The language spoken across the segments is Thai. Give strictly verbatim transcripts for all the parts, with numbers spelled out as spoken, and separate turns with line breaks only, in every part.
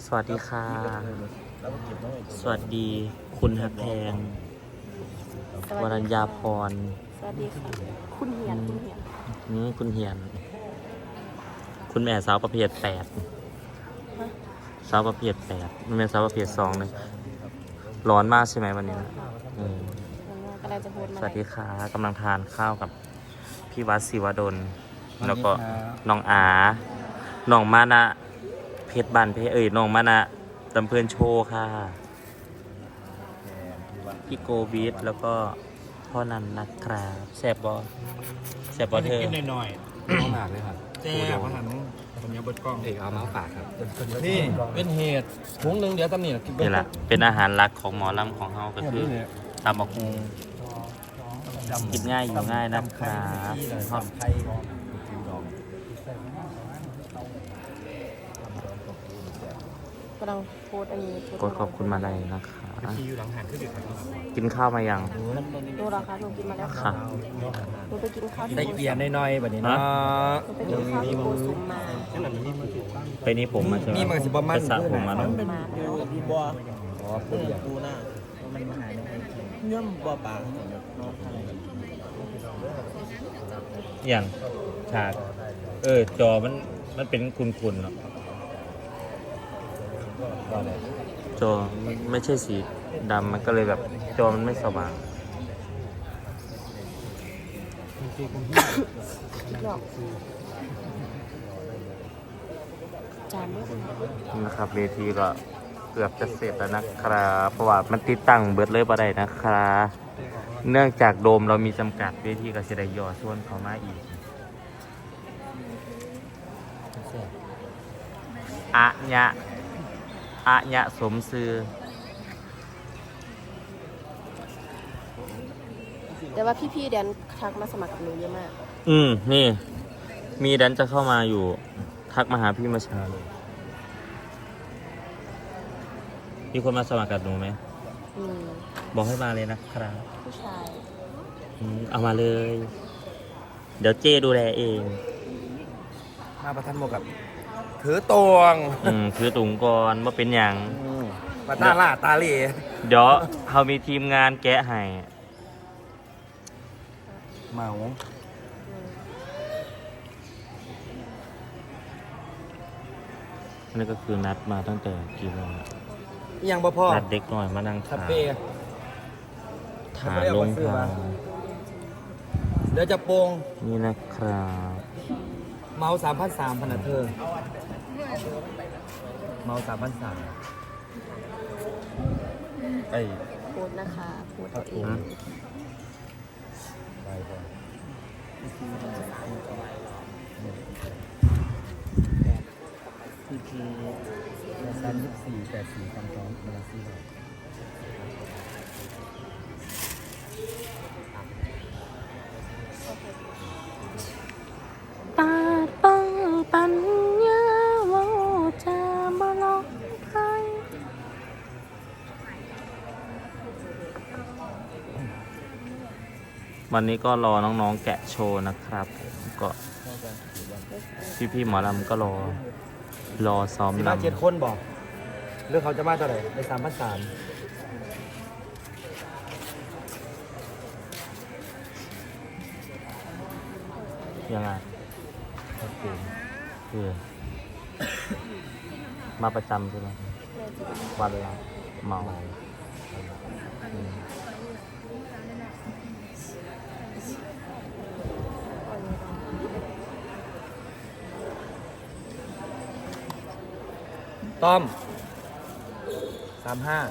วัสดีค่ะ สวัสดีคุณฮักแพงวรัญญาพร
สวัสดีค่ะคุณเฮียนคุณเฮียน
นี่คุณเฮียน คุณแม่สาวประเภทแปดสาวประเภทแปดมันเป็นสาวประเภทสองเลยร้อนมากใช่ไหมวันนี้นะอืม
กำลังจะพูดมา
สวัสดีค่ะกำลังทานข้าวกับพี่วัดศิวดลแล้วก็น้องอาน้องมานะเพชรบันเพชรเอ้ยน้องมานะตำเพื่อนโชว์ค่ะพี่โกบีทแล้วก็พ่อนันนะครับแซบบอแซบบอเธอ
กินหน่อย
น้องหมากเลยครับ
ๆแซ่บอาหารผมยังเบิดกล้อง
เอกเอามาฝากครับ
นี่เป็นเหตุถุงหนึ่งเดี๋ยวตำหนิกิน
นี่แหละเป็นอาหารหลักของหมอลำของเฮาก็คือตำบักฮุงกินง่ายอยู่ง่ายนะครับ
ไทย
กำลังพูดอันนี้พูด
ก็ขอบคุณมาลัยนะคะ
ที่อยู่หลังหันขึ้นอีกครับ
กินข้าวมายัง
ดูราคาหนูกินมาแล้ว
ค่ะ
หนูไปกินข้าวที่
ได้เปลี่ยนหน่อยๆแบบนี้เนาะ
หนูไปกินข้าวที่โกซุมมา
ไปนี่ผมมาใช่ไหม
มีมันสิบ่มัน
ไปสระผมมาเนาะ
มาแล้ว
พี่บัว
อ๋อคืออย่าง
ปูหน้ามันหายเนื้อบัวปลา
อย่างฉากเออจอมันมันเป็นคุณๆเนาะจอไม่ใช่สีดำมันก็เลยแบบจอมันไม่สว่าง
หยอกจานด้วย
นะครับเวทีก็เกือบจะเสร็จแล้วนะครับเพราะว่ามันติดตั้งเบิดเลยบ่ได้นะครับเนื่องจากโดมเรามีจำกัดเวทีก็จะได้ย่อส่วนเข้ามาอีกอะญะอะญะสมซื้อ
แต่ว่าพี่ๆเดี๋ยวทักมาสมัครกับหนูเยอะมาก
อืมนี่ มีแดนจะเข้ามาอยู่ ทักมาหาพี่มาชาเลยมีคนมาสมัครกับหนูไหม
อืม
บอกให้มาเลยนะครับ
ผู้ชาย
อืมเอามาเลย เดี๋ยวเจ้ดูแลเอง
มาประทันโมกับถือตวง
อืมคือตุงก่อนว่าเป็นอย่าง
มาตาล่าตาเหล่
เดี๋ยวเขามีทีมงานแกะให้
เมา
อันนี้ก็คือนัดมาตั้งแต่กี่โมง
ยังบ่พ่อ
นัดเด็กหน่อยมานั่ง
คา
ถาม
เฟ่
ถามลงทาง
เดี๋ยวจะโปง
นี่นะครับ
เมาสามพันสามพันนะเธอเมาสามพันสามไอ้
พูดนะคะพูดตัวเอง
ไปก่อนคือคือสามยี่สี่แปดสี่คำสองมาลาซี
ปาดปังปัญญาว่าจะมาลองใคร
วันนี้ก็รอน้องๆแกะโชว์นะครับ ก็พี่ๆหมอลำก็รอ รอซ้อม
สิ
ล
มาเจ็ดคนบอกเรื่องเขาจะมาเท่าไหร่ในสามพันสาม
ำยังไงคือมาประจำใช่ไหมวันละเมาอืม
ต้อมสามห้า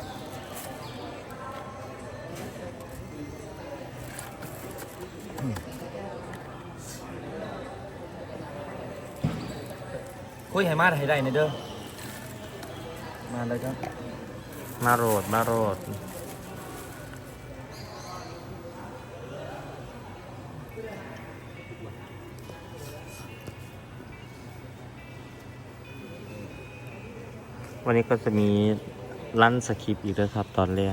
คุยให้มาให้ได้ในเด้อมาเลยครับ
มาโรดมาโรดวันนี้ก็จะมีลั่นสคริปต์อีกด้วยครับตอนแรก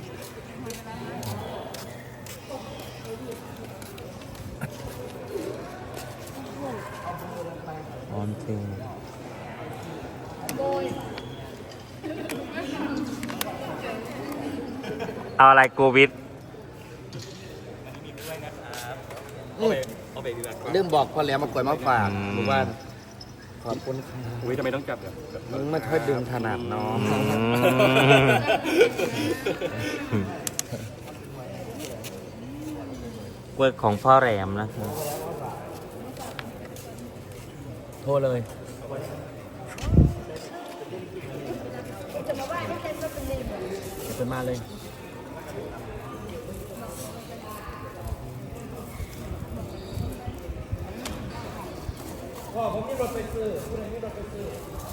ม
อนเจอเอาอะไรโควิด
เริ่มบอกพอแล้วมากวยมาฝากรู้ว่าขอบคุณค่ะ
อุ้ยทำไมต้องจับแบบ
มึงไม่ค่อยดึงถนัดเนาะ
กล้วยของพ่อแหลมนะครับ
โทรเลยจะมาเลยพ่อผมมีรถไปซื้อผู้ใดมีรถไปซื้อ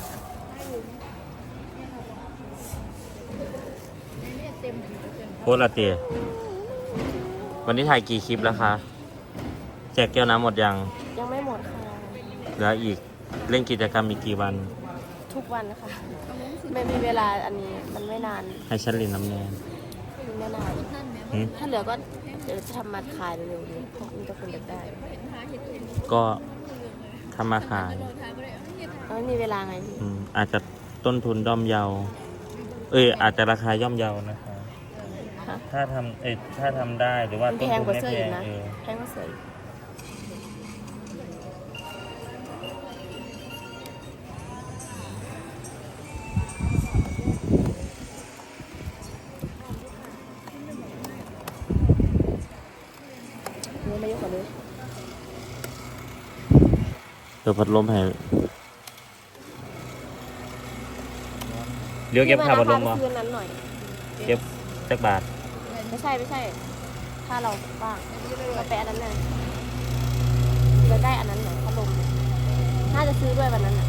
โคตรละเตียวันนี้ถ่ายกี่คลิปแล้วคะ แจกแก้วน้ำหมดยัง
ยังไม่หมดค่ะ
เหลืออีกเล่นกิจกรรมอีกกี่วัน
ทุกวันนะคะไม่มีเวลาอันนี้มันไม่นาน
ให้ฉันเรียนน้ำแนน
ไม่นาน
หืม
ถ้าเหลือก็เดี๋ยวจะทำมาขายเร็วๆนี้เพราะมีแต่คนอยากได้
ก็ทำมาขาย
แล้วไม่มีเวลาไงพี่
อืมอาจจะต้นทุนย่อมเยา เอ้ยอาจจะราคาย่อมเยานะคะ
ฮะ
ถ้าทำเอ้ยถ้าทำได้หรือว่า
มัน
ต้น
แพง
ทุน
กว่า
ไม่
เสื้อ
แพ
อีก
ง
นะ
เออ
แพงกว่าเสื้ออีกนี่ไม่ยกกว่านี้
เดี๋ยวพัดลมให้เดี๋ยวเก็บค่าพัดลม
มา
มา
คืนนั้นหน่อย
เก็บสักบาท
ไม่ใช่ไม่ใช่ ถ้าเราว่างเราไปอันนั้นเลยจะได้อันนั้นเหรอพัดลมน่าจะซื้อด้วยวันนั้นอ่ะ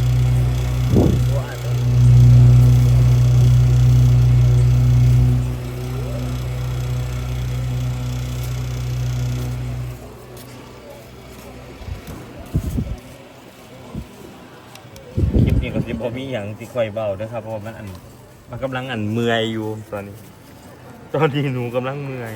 คลิปนี้ก็สิบมีอย่างที่ค่อยเบาด้วยครับเพราะว่ามันอันมันกำลังอันเมื่อยอยู่ตอนนี้ ตอนนี้หนูกำลังเมื่อย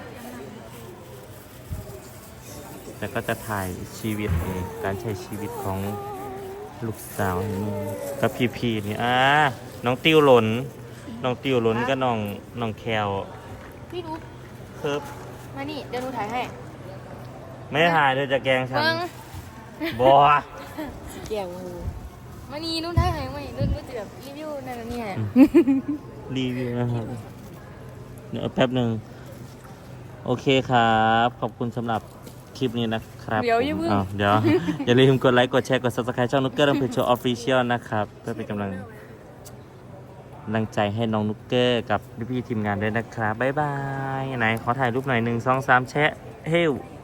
แต่ก็จะถ่ายชีวิตนี่การใช้ชีวิตของลูกสาวนี่กับพี่พีนี่อ่าน้องติ้วหล่นน้องติ้วหล่นก็น้องน้องแคล
พี่ดู
เคิบ
มานี่เดี๋ยวหนูถ่ายให้
ไม่ถ่ายเธอจะแกล้งฉัน
เบิ้ง
บอ
เกี่ยงมือมานี่หนูถ่ายให้ไหมหนูหนูจะแบบรีวิวนั่นนะเนี่ย
รีวิวนะครับเดี๋ยวแป๊บหนึ่งโอเคครับ ขอบคุณสำหรับคลิปนี้นะครับ
เดี๋ยวอย่าเพิ่ง
อ้าวเดี๋ยว อย่าลืมกดไลค์ กดแชร์ กด ซับสไครบ์ ช่องนุกเกอร์ดังเพจโชว์ออฟฟิเชียลนะครับ เพื่อเป็นกำลังกำลังใจให้น้องนุกเกอร์กับพี่ๆทีมงานด้วยนะครับ บ๊ายบาย ไหน ขอถ่ายรูปหน่อยหนึ่งสองสามแชะเฮ้ว